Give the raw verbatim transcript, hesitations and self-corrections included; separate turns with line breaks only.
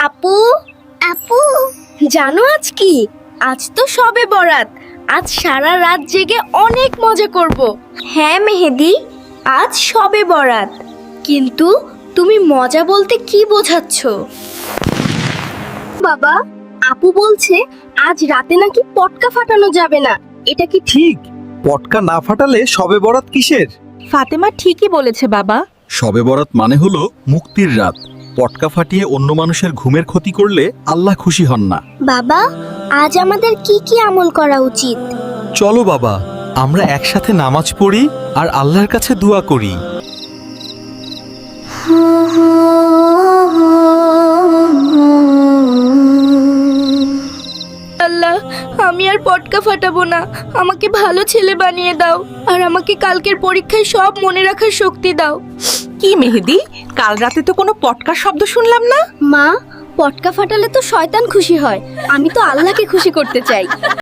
আপু আপু জানো আজ কি? আজ তো সবে বরাত। আজ সারা রাত জেগে অনেক মজা করব। হ্যাঁ মেহেদি, আজ সবে বরাত। কিন্তু তুমি মজা বলতে কি বোঝাচ্ছ? বাবা, আপু বলছে আজ রাতে নাকি পটকা ফাটানো যাবে না। এটা কি ঠিক?
ঠিক, পটকা না ফাটালে শবে বরাত কিসের?
ফাতেমা ঠিকই বলেছে বাবা।
শবে বরাত মানে হলো মুক্তির রাত। পটকা ফাটিয়ে অন্য মানুষের ঘুমের ক্ষতি করলে আল্লাহ খুশি হন না।
বাবা, আজ আমাদের কি কি আমল করা উচিত?
চলো বাবা, আমরা একসাথে নামাজ পড়ি আর আল্লাহর কাছে দোয়া করি।
আল্লাহ, আমি আর পটকা ফাটাবো না। আমাকে ভালো ছেলে বানিয়ে দাও আর আমাকে কালকের পরীক্ষায় সব মনে রাখার শক্তি দাও।
কি মেহেদি, কাল রাতে তো কোনো পটকার শব্দ শুনলাম না।
মা, পটকা ফাটালে তো শয়তান খুশি হয়। আমি তো আল্লাহকে খুশি করতে চাই।